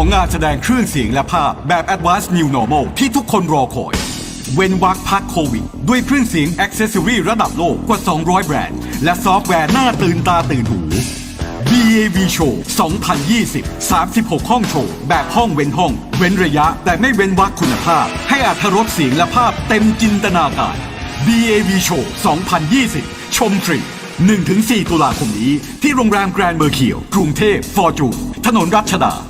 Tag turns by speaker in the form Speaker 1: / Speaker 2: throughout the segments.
Speaker 1: งานแสดงเครื่องเสียงและภาพแบบ Advanced New Normal ที่ทุกคนรอคอย เว้นวรรคพักโควิดด้วยเครื่องเสียง Accessory ระดับโลกกว่า 200 แบรนด์ และซอฟต์แวร์หน้าตื่นตาตื่นหู BAV Show 2020 36 ห้องโชว์ แบบห้องเว้นห้อง เว้นระยะแต่ไม่เว้นวรรคคุณภาพ ให้อรรถรสเสียงและภาพเต็มจินตนาการ BAV Show 2020 ชมฟรี 1-4 ตุลาคมนี้ที่โรงแรมแกรนด์เมอร์เคียวกรุงเทพฟอร์จูนถนนรัชดา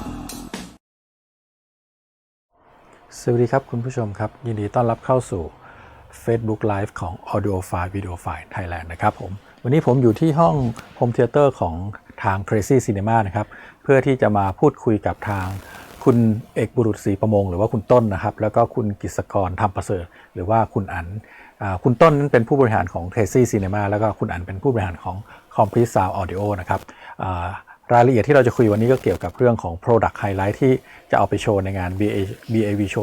Speaker 2: สวัสดีครับคุณผู้ชมครับยินดีต้อนรับเข้าสู่ Facebook Live ของ Audiophile Videophile Thailand นะครับผมวันนี้ผมอยู่ที่ห้อง Home Theater ของทาง Crazy Cinema นะครับเพื่อที่จะมาพูดคุยกับทางคุณเอกบุรุษศรีประมงหรือว่าคุณต้นนะครับแล้วก็คุณกฤษกรธรรมประเสริฐหรือว่าคุณอั๋นคุณต้นนั้นเป็นผู้บริหารของ Crazy Cinema แล้วก็คุณอั๋นเป็นผู้บริหารของ Complete Sound Audio นะครับรายละเอียดที่เราจะคุยวันนี้ก็เกี่ยวกับเรื่องของ Product Highlight ที่จะเอาไปโชว์ในงาน BAV Show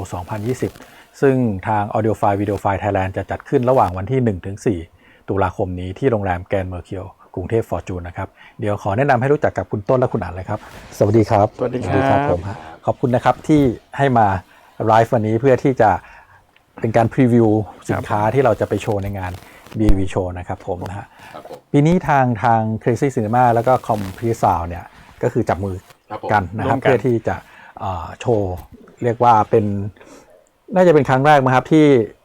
Speaker 2: 2020 ซึ่งทาง Audiophile Videophile Thailand จะจัดขึ้นระหว่างวันที่ 1-4 ตุลาคมนี้ที่โรงแรมแกรนด์เมอร์เคียวกรุงเทพฟอร์จูนนะครับเดี๋ยวขอแนะนำให้รู้จักกับคุณต้นและคุณอั๋นเลยครับสวัสดีครับ
Speaker 3: สวัสดีครับ
Speaker 2: ผมขอบคุณนะครับที่ให้มาไลฟ์วันนี้เพื่อที่จะเป็นการพรีวิวสินค้าที่เราจะไปโชว์ในงาน BAV Show นะครับผมนะฮะปีนี้ทาง Crazy Cinema แล้วก็ Complete Sound เนี่ยก็คือจับมือกันนะครับเพื่อที่จะโชว์เรียกว่าเป็นน่าจะเป็นครั้งแรกมั้งครับที่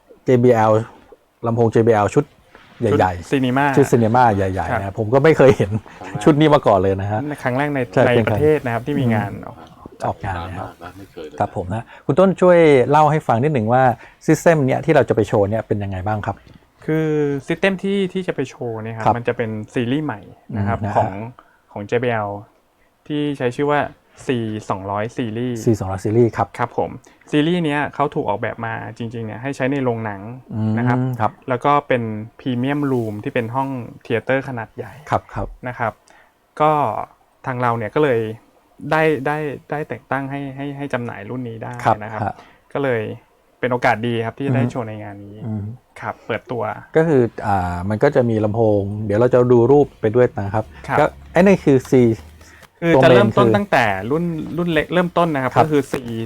Speaker 2: JBL ลำโพง JBL ชุดใหญ่ๆชุดซีนีมาใหญ่ๆนะผมก็ไม่เคยเห็นชุดนี้มาก่อนเลยนะฮะ
Speaker 3: ครั้งแรกในประเทศนะครับที่มีงาน
Speaker 2: ออกงานนะครับผมนะคุณต้นช่วยเล่าให้ฟังนิดหนึ่งว่าซิสเต็มเนี้ยที่เราจะไปโชว์เนี่ยเป็นยังไงบ้างครับ
Speaker 3: คือซิสเต็มที่จะไปโชว์เนี่ยครับมันจะเป็นซีรีส์ใหม่นะครับของ JBL ที่ใช้ชื่อว่า C200 ซีรีส์
Speaker 2: C200 ซีรีส์ครับ
Speaker 3: ผมซีรีส์เนี้ยเขาถูกออกแบบมาจริงๆเนี่ยให้ใช้ในโรงหนังนะครับแล้วก็เป็นพรีเมียมรูมที่เป็นห้องเธียเตอร์ขนาดใหญ่นะครับก็ทางเราเนี่ยก็เลยได้แต่งตั้งให้จำหน่ายรุ่นนี้ได้นะครับก็เลยเป็นโอกาสดีครับที่จะได้โชว์ในงานนี้ครับเปิดตัว
Speaker 2: ก็คือมันก็จะมีลำโพงเดี๋ยวเราจะดูรูปไปด้วยนะครับก็ไอ้นี่คือ C
Speaker 3: คือจะเริ่มต้นตั้งแต่รุ่นเล็กเริ่มต้นนะครับก็คือ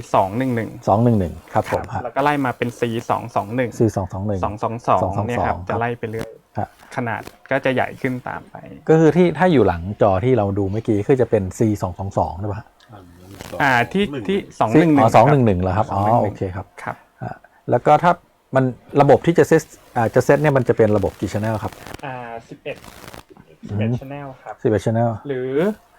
Speaker 3: C211
Speaker 2: ครับผม
Speaker 3: แล้วก็ไล่มาเป็น C221 222เนี่ยครับจะไล่ไปเรื่อยขนาดก็จะใหญ่ขึ้นตามไป
Speaker 2: ก็คือที่ถ้าอยู่หลังจอที่เราดูเมื่อกี้คือจะเป็น C222 ใช่ป่ะ
Speaker 3: ที่211
Speaker 2: เหรอครับอ๋อโอเคครับแล้วก็ถ้ามันระบบที่จะเซตเนี่ยมันจะเป็นระบบกี่ channel ครับ
Speaker 3: 11 channel ครับ
Speaker 2: 11 channel
Speaker 3: หรือ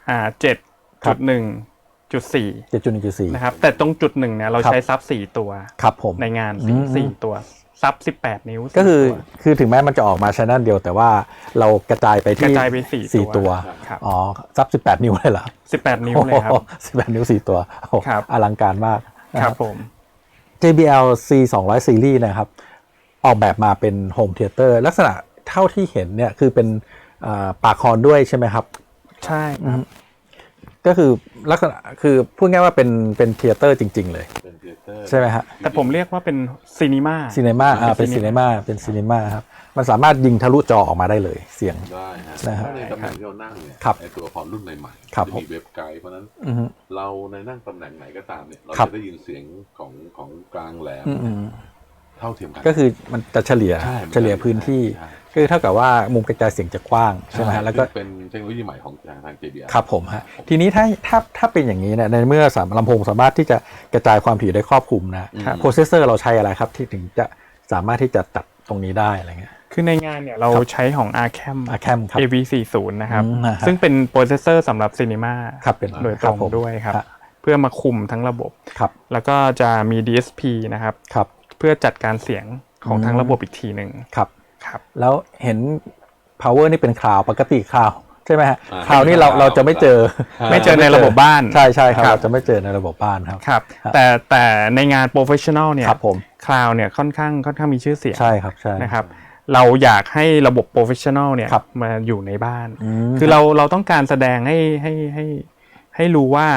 Speaker 3: 7.1.4 นะครับแต่ตรงจุด1เนี่ยเราใช้ซับ4ตัว
Speaker 2: ครับผม
Speaker 3: ในงาน4ตัวซับ18นิ้ว
Speaker 2: ก็คือถึงแม้มันจะออกมา channel เดียวแต่ว่าเรากระจายไปที่4ตัวอ๋อซับ18นิ้วเลยเหรอ
Speaker 3: 18นิ้วเลยครับ
Speaker 2: 18นิ้ว4ตัวอลังการมาก
Speaker 3: ครับผม
Speaker 2: JBL C200 ซีรีส์นะครับออกแบบมาเป็นโฮมเธียเตอร์ลักษณะเท่าที่เห็นเนี่ยคือเป็นปากคอนด้วยใช่ไหมครับ
Speaker 3: ใช่
Speaker 2: ก็คือลักษณะคือพูดง่ายว่าเป็นเธียเตอร์จริงๆเลยใช่ไหมฮะ
Speaker 3: แต่ผมเรียกว่าเป็นซีนีมา
Speaker 2: เป็นซีนีมาครับมันสามารถยิงทะลุจอออกมาได้เลยเสียง
Speaker 4: ได้นะครับในตำแหน่งที่เรานั่งเนี่ยในตัวละครรุ่นใหม่ๆจะมีเว็บไกด์เพราะนั้นเราในนั่งตำแหน่งไหนก็ตามเนี่ยเราจะได้ยินเสียงของกลางแหลมเท่าเทียมกัน
Speaker 2: ก็คือมันจะเฉลี่ยพื้นที่คือเท่ากับว่ามุมกระจายเสียงจะกว้างใช่ไหมฮะแล้วก็
Speaker 4: เป็นเทคโนโลยีใหม่ของทาง JBL
Speaker 2: ครับผมฮะทีนี้ถ้าเป็นอย่างนี้เนี่ยในเมื่อลำโพงสามารถที่จะกระจายความถี่ได้ครอบคลุมนะโปรเซสเซอร์เราใช้อะไรครับที่ถึงจะสามารถที่จะตัดตรงนี้ได้อะไรเงี้ย
Speaker 3: คือในงานเนี่ยเราใช้ของ Arcam AV40 นะครับซึ่งเป็นโปรเซสเซอร์สำหรับซีนีมาโดยตรงด้วยครับเพื่อมาคุมทั้งระบบแล้วก็จะมี DSP นะครับเพื่อจัดการเสียงของทั้งระบบอีกทีหนึ่ง
Speaker 2: ครับแล้วเห็น power นี่เป็นคลาวปกติคลาวใช่ไหมฮะคลาวนี่เราจะไม่เจอ
Speaker 3: ในระบบบ้าน
Speaker 2: ใช่ครับเราจะไม่เจอในระบบบ้าน
Speaker 3: ครับแต่ในงาน professional เนี่ยคลาวเนี่ยค่อนข้างมีชื่อเสียง
Speaker 2: ใช่ครับใช่
Speaker 3: นะครับเราอยากให้ระบบ professional เนี่ยมาอยู่ในบ้านคือเราต้องการแสดงให้รู้ว่า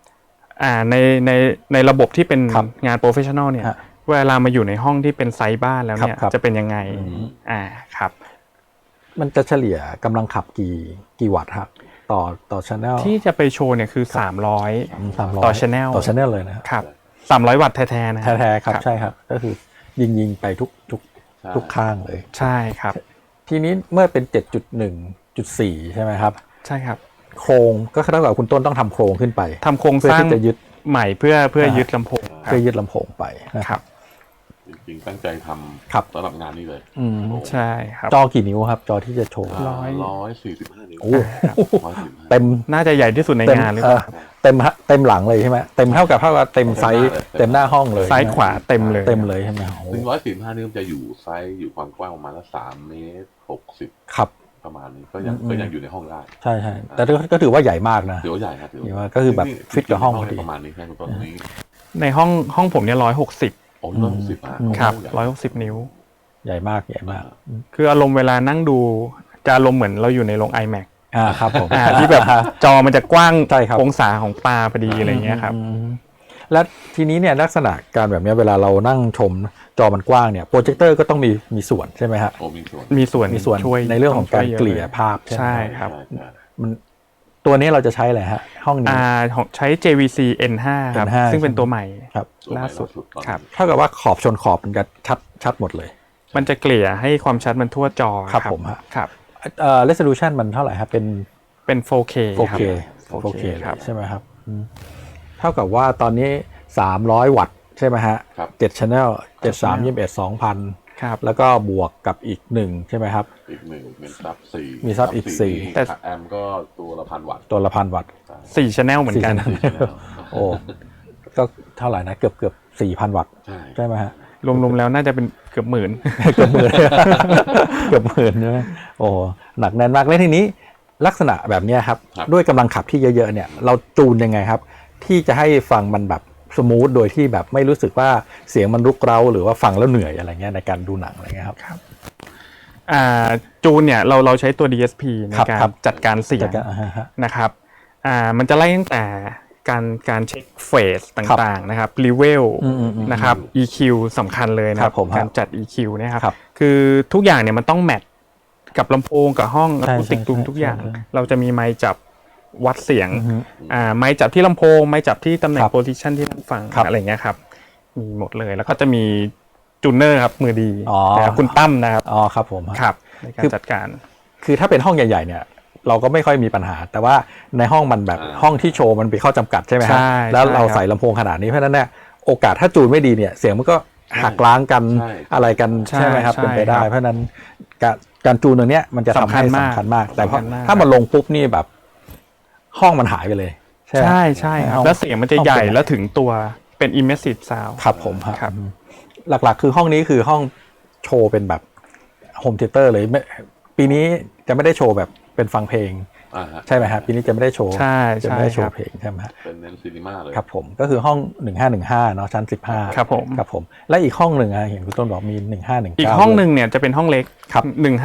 Speaker 3: ในระบบที่เป็นงาน professional เนี่ยเวลามาอยู่ในห้องที่เป็นไซส์บ้านแล้วเนี่ยจะเป็นยังไงครับ
Speaker 2: มันจะเฉลี่ยกำลังขับกี่วัตต์ครับต่อ channel
Speaker 3: ที่จะไปโชว์เนี่ยคือ300ต่อ channel
Speaker 2: ต่อ channel เลยนะครับ
Speaker 3: 300 วัตต์แท้ๆนะ
Speaker 2: แท้ๆครับใช่ครับก็คือยิงไปทุกข้างเลย
Speaker 3: ใช่ครับ
Speaker 2: ทีนี้เมื่อเป็น 7.1.4 ใช่ไหมครับ
Speaker 3: ใช่ครับ
Speaker 2: โครงก็เท่ากับคุณต้นต้องทำโครงขึ้นไป
Speaker 3: ทำโครงสร้าง
Speaker 2: จะยึด
Speaker 3: ใหม่เพื่อยึดลำโพง
Speaker 2: เพื่อยึดลำโพงไปนะครับ
Speaker 4: จริงๆตั้งใจทำสำหรับงานนี้เลย
Speaker 3: ใช่ครับ
Speaker 2: จอกี่นิ้วครับจอที่จะโชว์
Speaker 4: 145 นิ้ว
Speaker 2: เต็ม
Speaker 3: น่าจะใหญ่ที่สุดในงานหรือเปล่า
Speaker 2: เต็มหลังเลยใช่ไหมเต็มเท่ากับเต็มไซส์เต็มหน้าห้องเลย
Speaker 3: ซ้ายขวาเต็มเลย
Speaker 2: ใช่ไหม
Speaker 4: 145 นิ้วจะอยู่ไซส์อยู่ความกว้างประมาณ3.60 เมตร
Speaker 2: ครับ
Speaker 4: ประมาณนี้ก็ยังอยู่ในห้องได้
Speaker 2: ใช่แต่ก็ถือว่าใหญ่มากนะ
Speaker 4: ถือว่าใหญ่ครับ
Speaker 2: ถือว่าก็คือแบบฟิตกับห้องพอดี
Speaker 4: ประมาณนี้แค่ตอนนี้
Speaker 3: ในห้องผมเนี่ย160ครับ160 นิ้ว
Speaker 2: ใหญ่มาก
Speaker 3: คืออารมณ์เวลานั่งดูจะอารมณ์เหมือนเราอยู่ในโรง iMac
Speaker 2: ครับผม
Speaker 3: ที่แบบจอมันจะกว้างองศาของปลาพอดีอะไรเงี้ยครับ
Speaker 2: และทีนี้เนี่ยลักษณะการแบบนี้เวลาเรานั่งชมจอมันกว้างเนี่ยโปรเจคเตอร์ก็ต้องมีส่วนใช่ไหมฮะ
Speaker 3: มีส่วน
Speaker 2: ช่วยในเรื่องของการเกลี่ยภาพ
Speaker 3: ใช่ครับ
Speaker 2: มันตัวนี้เราจะใช้อะไรฮะห้องนี้
Speaker 3: ใช้ JVC N5 ครับซึ่งเป็นตัวใหม่
Speaker 2: ครับ
Speaker 3: ล่าสุดครับ
Speaker 2: เท่ากับว่าขอบชนขอบมันจะชัดหมดเลย
Speaker 3: มันจะเกลี่ยให้ความชัดมันทั่วจอ
Speaker 2: ครับผมฮะ
Speaker 3: ครับ
Speaker 2: resolution มันเท่าไหร่ครับ
Speaker 3: เป็น 4K
Speaker 2: 4K ครับใช่ไหมครับเท่ากับว่าตอนนี้300 วัตต์ใช่ไหมฮะ7 channel 73 21 2,000
Speaker 3: ครับ
Speaker 2: แล้วก็บวกกับอีก1ใช่ไหมครับ
Speaker 4: อีก1มี
Speaker 2: ซับอีก4
Speaker 4: แต่แอมก็ตัวละ 1,000 วัตต์
Speaker 2: ตัวละ 1,000 วัตต์
Speaker 3: 4 channel เหมือนกัน
Speaker 2: โอ้ก็เท่าไหร่นะเกือบ 4,000 วัตต์ใช่ไหมฮะ
Speaker 3: รวมๆแล้วน่าจะเป็นเกือบหมื่น
Speaker 2: เกือบหมื่นใช่ไหมโอ้หนักแน่นมากเลยทีนี้ลักษณะแบบนี้ครับด้วยกำลังขับที่เยอะๆเนี่ยเราจูนยังไงครับที่จะให้ฟังมันแบบสมูทโดยที่แบบไม่รู้สึกว่าเสียงมันรุกเร้าหรือว่าฟังแล้วเหนื่อยอะไรเงี้ยในการดูหนังอะไรเงี้ยครับ
Speaker 3: จูนเนี่ยเราใช้ตัว DSP ในการจัดการเสียงนะครับมันจะไล่ตั้งแต่การเช็คเฟสต่างๆนะครับรีเวลนะครับ EQ สำคัญเลยนะครับการจัด EQ นะครับคือทุกอย่างเนี่ยมันต้องแมทกับลำโพงกับห้องอะคูสติกรูมทุกอย่างเราจะมีไมค์จับวัดเสียงไมค์จับที่ลำโพงไมค์จับที่ตำแหน่งโพซิชันที่นั่งฟังอะไรเงี้ยครับมีหมดเลยแล้วก็จะมีจูนเนอร์ครับมือดีคุณตั้มนะครับ
Speaker 2: ครับผม
Speaker 3: ครับในการจัดการ
Speaker 2: คือถ้าเป็นห้องใหญ่ๆเนี่ยเราก็ไม่ค่อยมีปัญหาแต่ว่าในห้องมันแบบห้องที่โชว์มันเป็นข้อจำกัดใช่ไหมครับแล้วเราใส่ลำโพงขนาดนี้เพราะนั้นเนี่ยโอกาสถ้าจูนไม่ดีเนี่ยเสียงมันก็หักล้างกันอะไรกันใช่ไหมครับเป็นไปได้เพราะนั้นการจูนตรงนี้มันจะทำให้สำคัญมากแต่ถ้ามันลงปุ๊บนี่แบบห้องมันหายไปเลย
Speaker 3: ใช่ครับแล้วเสียงมันจะใหญ่แล้วถึงตัวเป็น immersive sound
Speaker 2: ครับผมครับหลักๆคือห้องนี้คือห้องโชว์เป็นแบบโฮมเธียเตอร์เลยปีนี้จะไม่ได้โชว์แบบเป็นฟังเพลงใช่ไหมครับปีนี้จะไม่ได้โชว์จะไม่ได้โชว์เพลงใช่ไหมครับ
Speaker 4: เป็นเน้นซีนีมาเลย
Speaker 2: ครับผมก็คือห้อง1515เนาะชั้น15
Speaker 3: ครับ
Speaker 2: ผมและอีกห้องหนึ่งเห็นคุณต้นบอกมี1519
Speaker 3: อีกห้องหนึ่งเนี่ยจะเป็นห้องเล็ก
Speaker 2: ครับ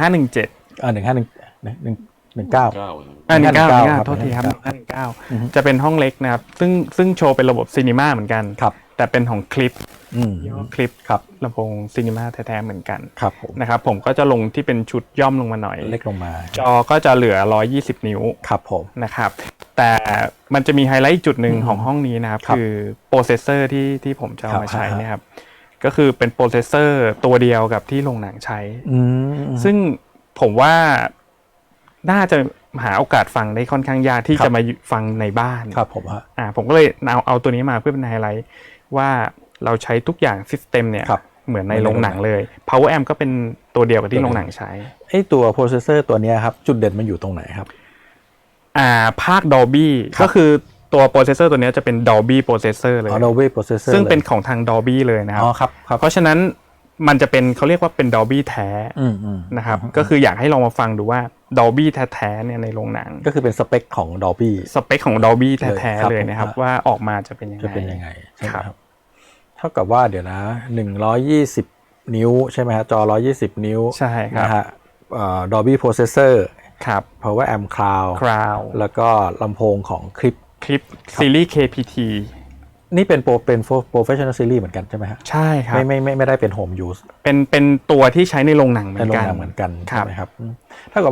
Speaker 3: 1517โทษทีครับ1519จะเป็นห้องเล็กนะครับซึ่งโชว์เป็นระบบซีนีมาเหมือนกันแต่เป็นของคลิป
Speaker 2: ครับ
Speaker 3: ลำโพงซีนีมาแท้ๆเหมือนกัน
Speaker 2: ครับผม
Speaker 3: นะครับผมก็จะลงที่เป็นชุดย่อมลงมาหน่อย
Speaker 2: เล็กลงมา
Speaker 3: จอก็จะเหลือ120 นิ้ว
Speaker 2: ครับผม
Speaker 3: นะครับแต่มันจะมีไฮไลท์จุดหนึ่งของห้องนี้นะครับคือโปรเซสเซอร์ที่ผมจะเอามาใช้นะครับก็คือเป็นโปรเซสเซอร์ตัวเดียวกับที่โรงหนังใช้ซึ่งผมว่าน่าจะหาโอกาสฟังได้ค่อนข้างยากที่จะมาฟังในบ้าน
Speaker 2: ครับผม
Speaker 3: ผมก็เลยเอาตัวนี้มาเพื่อเป็นไฮไลท์ว่าเราใช้ทุกอย่างซิสเต็มเนี่ยเหมือนในโรงหนังเลย Power Amp ก็เป็นตัวเดียวกับที่โรงหนังใช้
Speaker 2: ไอ้ตัวโปรเซสเซอร์ตัวนี้ครับจุดเด่นมันอยู่ตรงไหนครับ
Speaker 3: ภาค Dolby ก็คือตัวโปรเซสเซอร์ตัวนี้จะเป็น Dolby Processor เลย
Speaker 2: Dolby Processor
Speaker 3: ซึ่งเป็นของทาง Dolby เลยนะครับเพราะฉะนั้นมันจะเป็นเขาเรียกว่าเป็น Dolby แท้นะครับก็คืออยากให้ลองมาฟังดูว่า Dolby แท้ๆเนี่ยในโรงหนัง
Speaker 2: ก็คือเป็นสเปคของ Dolby
Speaker 3: สเปคของ Dolby แท้ๆเลยนะครับว่าออกมาจะเป็นยังไง
Speaker 2: ครับเท่ากับว่าเดี๋ยวนะ120 นิ้วใช่ไหมฮะจอ120 นิ้ว
Speaker 3: ใช่ครับ
Speaker 2: นะฮะDolby Processor
Speaker 3: ครับ
Speaker 2: Power Amp Cloud แล้วก็ลำโพงของคลิป
Speaker 3: ซีรีส์ KPT
Speaker 2: นี่เป็น Professional Series เหมือนกันใช่ไหมฮะ
Speaker 3: ใช่ครับ
Speaker 2: ไม่ได้เป็น Home Use
Speaker 3: เป็นตัวที่ใช้ในโรงหนังเหมือนกัน
Speaker 2: ใช่ไหมครับเท่ากับว่า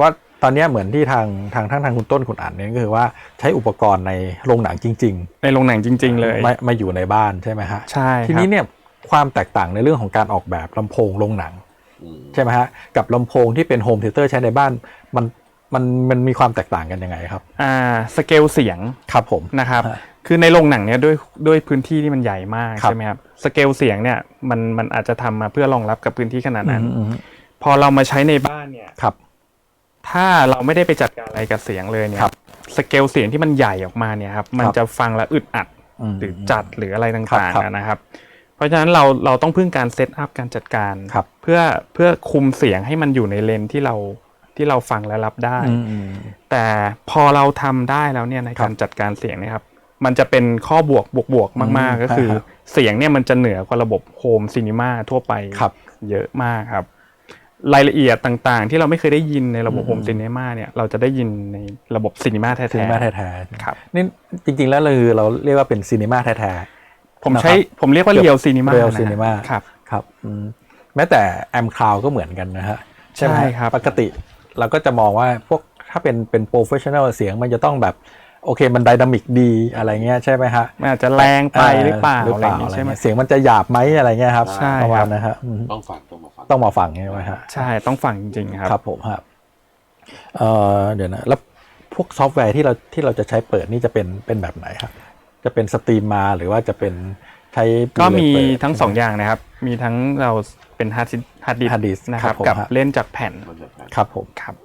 Speaker 2: ตอนนี้เหมือนที่ทางคุณต้นคุณอ่านเนี่ยก็คือว่าใช้อุปกรณ์ในโรงหนังจริง
Speaker 3: ๆในโรงหนังจริงๆเลย
Speaker 2: มาอยู่ในบ้านใช่ไหมฮะ
Speaker 3: ใช่
Speaker 2: ทีนี้เนี่ยความแตกต่างในเรื่องของการออกแบบลำโพงโรงหนังใช่ไหมฮะกับลำโพงที่เป็นโฮมเทเตอร์ใช้ในบ้านมันมีความแตกต่างกันยังไงครับ
Speaker 3: สเกลเสียง
Speaker 2: ครับผม
Speaker 3: นะครับคือในโรงหนังเนี่ยด้วยพื้นที่ที่มันใหญ่มากใช่ไหมครับสเกลเสียงเนี่ยมันอาจจะทำมาเพื่อรองรับกับพื้นที่ขนาดนั้นพอเรามาใช้ในบ้านเนี่ยถ้าเราไม่ได้ไปจัดการอะไรกับเสียงเลยเนี่ยสเกลเสียงที่มันใหญ่ออกมาเนี่ยครับมันจะฟังแล้วอึดอัดหรือจัดหรืออะไรต่างๆนะครับเพราะฉะนั้นเราต้องพึ่งการเซตอัพการจัดการเพื่อคุมเสียงให้มันอยู่ในเลนที่เราฟังและรับได้แต่พอเราทำได้แล้วเนี่ยในการจัดการเสียงนะครับมันจะเป็นข้อบวกมากๆก็คือเสียงเนี่ยมันจะเหนือกว่าระบบโฮมซีนีมาทั่วไปเยอะมากครับรายละเอียดต่างๆที่เราไม่เคยได้ยินในระบบโฮมซีนีมาเนี่ยเราจะได้ยินในระบบซีนีมาแท้
Speaker 2: ๆครับนี่จริงๆแล้วเราเรียกว่าเป็นซีนีมาแท้
Speaker 3: ๆผมเรียกว่าเรียวซีนีมา
Speaker 2: ครับแม้แต่แอมคลาวก็เหมือนกันนะฮะ
Speaker 3: ใช่ครับ
Speaker 2: ปกติเราก็จะมองว่าพวกถ้าเป็นโปรเฟชชั่นอลเสียงมันจะต้องแบบโอเคมันไดนามิกดีอะไรเงี้ยใช่ไหมฮะ
Speaker 3: มันอาจจะแรงไปหรือเปล่าอะไรเงี้ยใช่ไหม
Speaker 2: เสียงมันจะหยาบไหมอะไรเงี้ยครับประมาณนะฮะต้องมาฟังใช่ไหมฮะ
Speaker 3: ใช่ต้องฟังจริงๆครับ
Speaker 2: ครับผมครับเดี๋ยวนะแล้วพวกซอฟต์แวร์ที่เราจะใช้เปิดนี่จะเป็นแบบไหนครับจะเป็นสตรีมมาหรือว่าจะเป็นใช้
Speaker 3: ก็มีทั้ง2อย่างนะครับมีทั้งเราเป็นฮาร์ดดิสก์นะครับกับเล่นจากแผ่น
Speaker 2: ครับผม
Speaker 3: ครับ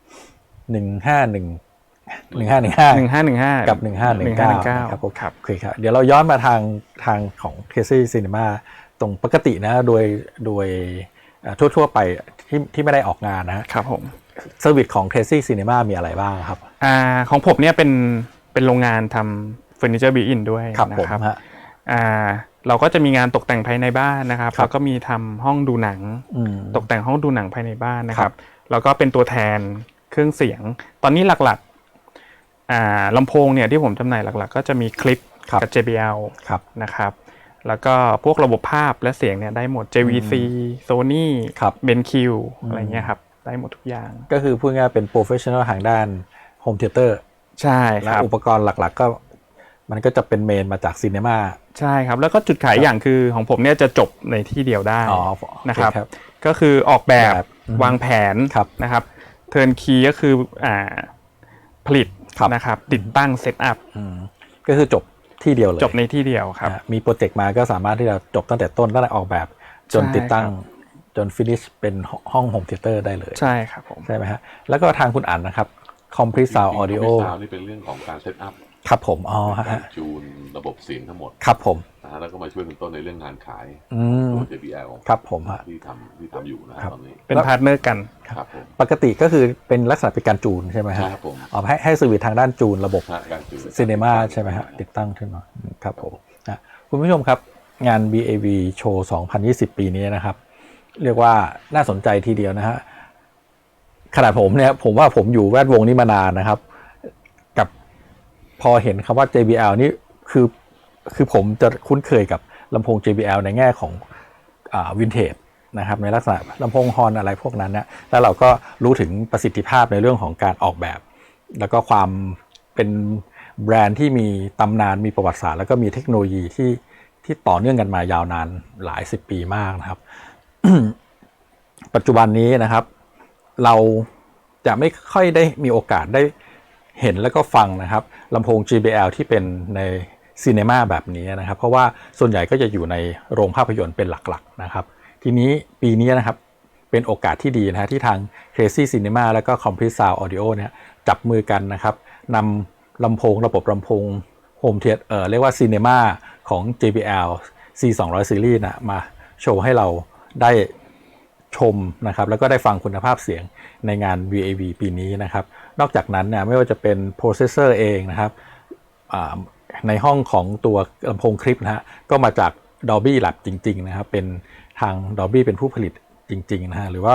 Speaker 2: 1515กับ1519ครับผมครับโอเคครับเดี๋ยวเราย้อนมาทางของ Crazy Cinema ตรงปกตินะโดยทั่วไปที่ไม่ได้ออกงานนะครับ
Speaker 3: ผม
Speaker 2: เซอร์วิสของ Crazy Cinema มีอะไรบ้างครับ
Speaker 3: ของผมเนี่ยเป็นโรงงานทำเฟอร์นิเจอร์บิวอินด้วยนะครับเราก็จะมีงานตกแต่งภายในบ้านนะครับแล้วก็มีทำห้องดูหนังตกแต่งห้องดูหนังภายในบ้านนะครับแล้วก็เป็นตัวแทนเครื่องเสียงตอนนี้หลักๆลำโพงเนี่ยที่ผมจำหน่ายหลักๆก็จะมีคลิปกับ JBL นะครับแล้วก็พวกระบบภาพและเสียงเนี่ยได้หมด JVC Sony BenQ อะไรเงี้ยครับได้หมดทุกอย่าง
Speaker 2: ก็คือพูดง่ายเป็นโปรเฟชชั่นอลทางด้านโฮมเทเตอร์
Speaker 3: ใช่ครับ
Speaker 2: อุปกรณ์หลักๆก็มันก็จะเป็นเมนมาจากซีเนมา
Speaker 3: ใช่ครับแล้วก็จุดขายอย่างคือของผมเนี่ยจะจบในที่เดียวได้นะครับก็คือออกแบบวางแผนนะครับเทิร์นคีย์ก็คือผลิตนะครับติดตั้งเซตอัพ
Speaker 2: ก็คือจบที่เดียวเลย
Speaker 3: จบในที่เดียวครับ
Speaker 2: มีโปรเจกต์มาก็สามารถที่จะจบตั้งแต่ต้นตั้งแต่ออกแบบจนติดตั้งจนฟินิชเป็นห้องโฮมเทเตอร์ได้เลย
Speaker 3: ใช่ครับผม
Speaker 2: ใช่ไหมฮะแล้วก็ทางคุณอ่านนะครับ Complete Sound Audio
Speaker 4: นี่เป็นเรื่องของการเซตอัพ
Speaker 2: ครับผม
Speaker 4: การจูนระบบเสียงทั้งหมด
Speaker 2: ครับผม
Speaker 4: แล้วก็มาช่วยคุณต้นในเรื่องงานขายตัว JBL
Speaker 2: ครับผม
Speaker 4: ที่ทำอยู่นะตอนนี้
Speaker 3: เป็นพาร์ทเนอร์กัน
Speaker 4: ครับผม
Speaker 2: ปกติก็คือเป็นลักษณะเป็นการจูนใช่ไหมฮะ
Speaker 4: ครับผม
Speaker 2: ให้เซอร์วิสทางด้านจูนระบบซีเนมาใช่ไหมฮะติดตั้งขึ้นมาครับผมนะคุณผู้ชมครับงาน BAV Show 2020 ปีนี้นะครับเรียกว่าน่าสนใจทีเดียวนะฮะขนาดผมเนี่ยผมว่าผมอยู่แวดวงนี้มานานนะครับกับพอเห็นคำว่า JBL นี่คือผมจะคุ้นเคยกับลำโพง JBL ในแง่ของวินเทจนะครับในลักษณะลำโพงฮอร์นอะไรพวกนั้นนะแล้วเราก็รู้ถึงประสิทธิภาพในเรื่องของการออกแบบแล้วก็ความเป็นแบรนด์ที่มีตำนานมีประวัติศาสตร์แล้วก็มีเทคโนโลยีที่ต่อเนื่องกันมายาวนานหลาย10 ปีมากนะครับ ปัจจุบันนี้นะครับเราจะไม่ค่อยได้มีโอกาสได้เห็นแล้วก็ฟังนะครับลำโพง JBL ที่เป็นในซีเนมาแบบนี้นะครับเพราะว่าส่วนใหญ่ก็จะอยู่ในโรงภาพยนตร์เป็นหลักๆนะครับทีนี้ปีนี้นะครับเป็นโอกาสที่ดีนะฮะที่ทาง Crazy Cinema แล้วก็ Complete Sound Audio เนี่ยจับมือกันนะครับนำลำโพงระบบลำโพง Home Theater เรียกว่า Cinema ของ JBL C200 Series นะมาโชว์ให้เราได้ชมนะครับแล้วก็ได้ฟังคุณภาพเสียงในงาน VAV ปีนี้นะครับนอกจากนั้นเนี่ยไม่ว่าจะเป็นโปรเซสเซอร์เองนะครับในห้องของตัวลำโพงคลิปนะฮะก็มาจาก Dolby Lab จริงๆนะครับเป็นทาง Dolby เป็นผู้ผลิตจริงๆนะฮะหรือว่า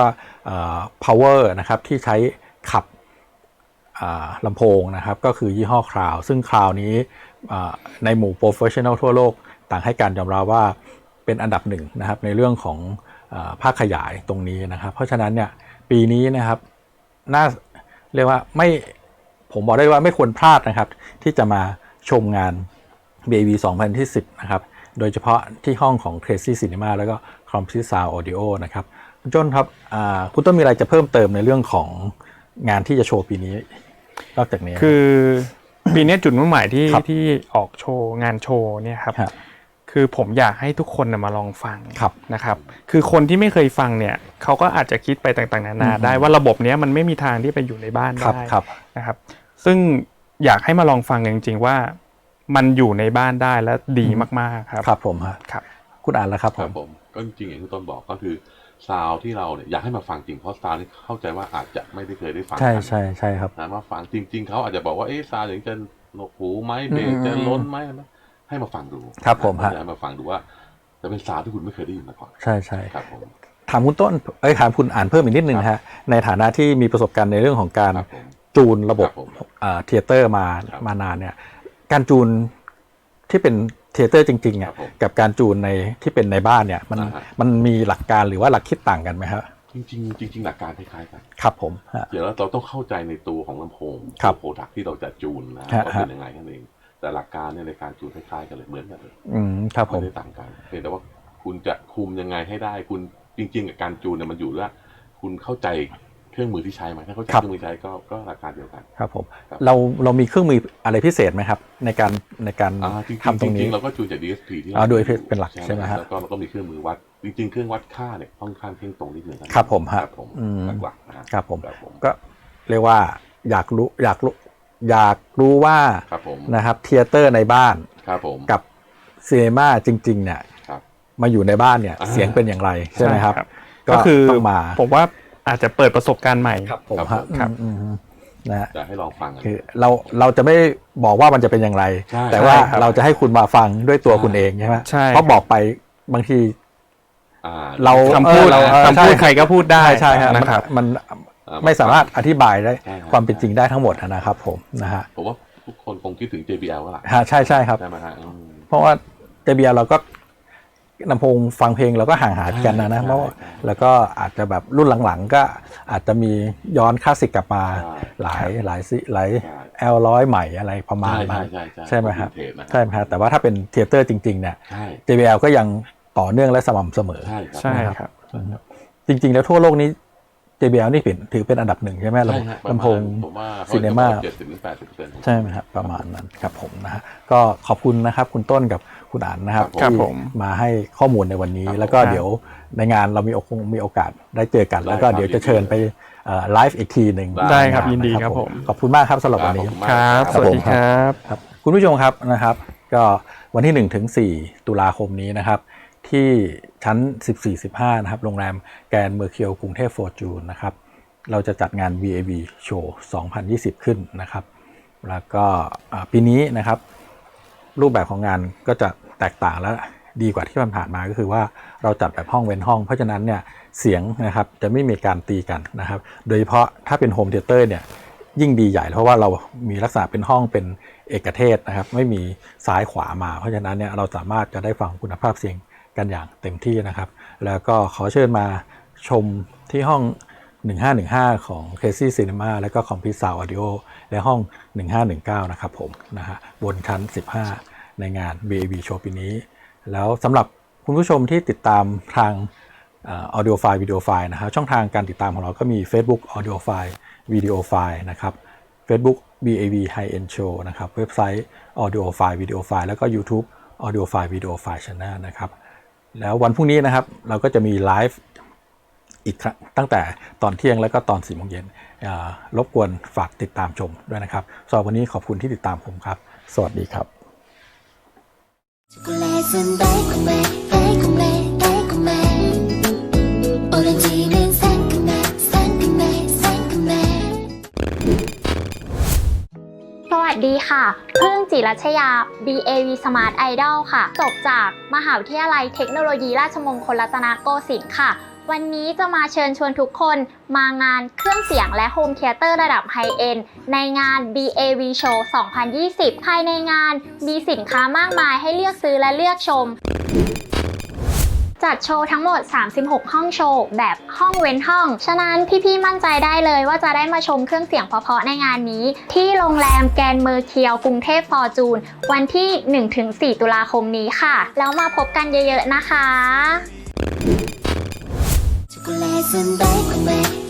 Speaker 2: power นะครับที่ใช้ขับลำโพงนะครับก็คือยี่ห้อ Crowd ซึ่ง Crowd นี้ในหมู่ Professional ทั่วโลกต่างให้การยอมรับว่าเป็นอันดับหนึ่งนะครับในเรื่องของภาคขยายตรงนี้นะครับเพราะฉะนั้นเนี่ยปีนี้นะครับเรียกว่าผมบอกได้ว่าไม่ควรพลาดนะครับที่จะมาชมงาน BAV 2010นะครับโดยเฉพาะที่ห้องของ Crazy Cinema แล้วก็ Complete Sound Audio นะครับคุณจ้นครับคุณต้นมีอะไรจะเพิ่มเติมในเรื่องของงานที่จะโชว์ปีนี้นอกจากนี้
Speaker 3: คือปีนี้จุดมุ่งหมายที่ออกโชว์งานโชว์เนี่ยครับคือผมอยากให้ทุกคนมาลองฟังนะครับคือคนที่ไม่เคยฟังเนี่ยเขาก็อาจจะคิดไปต่างๆนานาได้ว่าระบบนี้มันไม่มีทางที่ไปอยู่ในบ้านได้นะครับซึ่งอยากให้มาลองฟังจริงๆว่ามันอยู่ในบ้านได้และดีมากๆครับ
Speaker 2: ครับผมครับคุณอ่านแล้วครับ
Speaker 4: ผมก็จริงๆอย่างที่ต้นบอกก็คือซาวที่เราเนี่ยอยากให้มาฟังจริงเพราะซาวนี่เข้าใจว่าอาจจะไม่ได้เคยได้ฟัง
Speaker 2: ใช่ครับ
Speaker 4: นะมาฟังจริงๆเขาอาจจะบอกว่าซาวอย่างจะหนวกหูไหมเบสจะล้นไหมให้มาฟังดู
Speaker 2: ครับผม
Speaker 4: ให้มาฟังดูว่าจะเป็นซาวที่คุณไม่เคยได้ยินมาก่อน
Speaker 2: ใช่
Speaker 4: ครับผม
Speaker 2: ถามคุณต้นถามคุณอ่านเพิ่มอีกนิดนึงฮะในฐานะที่มีประสบการณ์ในเรื่องของการจูนระบบเทเตอร์มานานเนี่ยการจูนที่เป็นเทเตอร์จริงๆกับการจูนในที่เป็นในบ้านเนี่ยมันมีหลักการหรือว่าหลักคิดต่างกันไหมครับ
Speaker 4: จริงหลักการคล้ายๆกัน
Speaker 2: ครับผม
Speaker 4: เดี๋ยวเราต้องเข้าใจในตัวของลำโพงโปรดักที่เราจะจูนนะว่าเป็นยังไงนั่นเองแต่หลักการเนี่ยในการจูนคล้ายๆกันเลยเหมือนกันเลย
Speaker 2: ครับผม
Speaker 4: ไม่ได้ต่างกันเพียงแต่ว่าคุณจะคุมยังไงให้ได้คุณจริงๆกับการจูนเนี่ยมันอยู่ว่าคุณเข้าใจเครื่องมือที่ใช้ไหมถ้าเข้าใจเครื่องมือใช้ก็หลักการเดียวกัน
Speaker 2: ครับผมเรามีเครื่องมืออะไรพิเศษไหมครับในการทำตรงนี้
Speaker 4: จริงๆเราก็จูนจาก DSP ที่
Speaker 2: โดยเป็นหลักใช่ไหมครับ
Speaker 4: แล้วก็เราก็มีเครื่องมือวัดจริงๆเครื่องวัดค่าเนี่ยค่อนข้างเพ่งตรงนิดนึง
Speaker 2: ครับผม
Speaker 4: หลัก
Speaker 2: ครับผมก็เรียกว่าอยากรู้ว่านะครับเทเตอร์ในบ้านกับซีเนม่าจริงๆเนี่ยมาอยู่ในบ้านเนี่ยเสียงเป็นอย่างไรใช่ไหมครับ
Speaker 3: ก็คือผมว่าอาจจะเปิดประสบการณ์ใหม่
Speaker 2: ครับผมครับนะ
Speaker 4: จะให้ลองฟัง
Speaker 2: คือเราจะไม่บอกว่ามันจะเป็นอย่างไรแต่ว่าเราจะให้คุณมาฟังด้วยตัวคุณเองใช่ไหมเพราะบอกไปบางที
Speaker 3: เราคำพูดใครก็พูดได้
Speaker 2: ใช่ครับมันไม่สามารถอธิบายได้ความเป็นจริงได้ทั้งหมดนะครับผมนะฮะ
Speaker 4: ผมว่าทุกคนคงคิดถึง JBL ก็แหละ
Speaker 2: ใช่ครับเพราะว่า JBL เราก็ลำโพงฟังเพลงเราก็ห่างหายกันนะเพราะแล้วก็อาจจะแบบรุ่นหลังๆก็อาจจะมีย้อนคลาสสิกกลับมาหลายL100 ใหม่อะไรประมาณนั้นใช่ไหมครับใช่ไหมครับแต่ว่าถ้าเป็นเทเตอร์จริงๆเนี่ย JBL ก็ยังต่อเนื่องและสม่ำเสมอ
Speaker 3: ใช่ครับ
Speaker 2: จริงๆแล้วทั่วโลกนี้ JBL นี่ถือเป็นอันดับหนึ่งใช่ไหมลำโพงซีเนม่าใช่ไหมครับประมาณนั้นครับผมนะฮะก็ขอบคุณนะครับคุณต้นกับคุณอ่านนะครับที่มาให้ข้อมูลในวันนี้แล้วก็เดี๋ยวในงานเรามีโอกาสได้เจอกันแล้วก็เดี๋ยวจะเชิญไปไลฟ์อีกทีหนึ่ง
Speaker 3: ได้ครับยินดีครับผม
Speaker 2: ขอบคุณมากครับสำหรับวันนี้
Speaker 3: ครับสวัสดีครับ
Speaker 2: คุณผู้ชมครับนะครับก็วันที่1 ถึง 4 ตุลาคมนี้นะครับที่ชั้น 14-15 นะครับโรงแรมแกรนด์เมอร์เคียวกรุงเทพฟอร์จูนนะครับเราจะจัดงาน BAV Show 2020 ขึ้นนะครับแล้วก็ปีนี้นะครับรูปแบบของงานก็จะแตกต่างและดีกว่าที่ผ่านมาก็คือว่าเราจัดแบบห้องเว้นห้องเพราะฉะนั้นเนี่ยเสียงนะครับจะไม่มีการตีกันนะครับโดยเฉพาะถ้าเป็นโฮมเทเตอร์เนี่ยยิ่งดีใหญ่เพราะว่าเรามีลักษณะเป็นห้องเป็นเอกเทศนะครับไม่มีซ้ายขวามาเพราะฉะนั้นเนี่ยเราสามารถจะได้ฟังคุณภาพเสียงกันอย่างเต็มที่นะครับแล้วก็ขอเชิญมาชมที่ห้อง1515ของ Crazy Cinema แล้วก็ Complete Sound Audio และห้อง1519นะครับผมนะฮะบนชั้น15ในงาน BAV Show ปีนี้แล้วสำหรับคุณผู้ชมที่ติดตามทางAudio File Video File นะครับช่องทางการติดตามของเราก็มี Facebook Audio File Video File นะครับ Facebook BAV High End Show นะครับเว็บไซต์ Audio File Video File แล้วก็ YouTube Audio File Video File Channel นะครับแล้ววันพรุ่งนี้นะครับเราก็จะมีไลฟ์อีกครั้งตั้งแต่ตอนเที่ยงแล้วก็ตอน 4 โมงเย็นรบกวนฝากติดตามชมด้วยนะครับสำหรับวันนี้ขอบคุณที่ติดตามผมครับสวัสดีครับ
Speaker 5: สวัสดีค่ะพึ่งจิรัชยา BAV Smart Idol ค่ะจบจากมหาวิทยาลัยเทคโนโลยีราชมงคลรัตนโกสินทร์ค่ะวันนี้จะมาเชิญชวนทุกคนมางานเครื่องเสียงและโฮมเธียเตอร์ระดับไฮเอ็นด์ในงาน BAV Show 2020 ภายในงานมีสินค้ามากมายให้เลือกซื้อและเลือกชมจัดโชว์ทั้งหมด36ห้องโชว์แบบห้องเว้นห้องฉะนั้นพี่ๆมั่นใจได้เลยว่าจะได้มาชมเครื่องเสียงเพราะๆในงานนี้ที่โรงแรมแกรนด์เมอร์เคียวกรุงเทพฟอร์จูนวันที่ 1-4 ตุลาคมนี้ค่ะแล้วมาพบกันเยอะๆนะคะ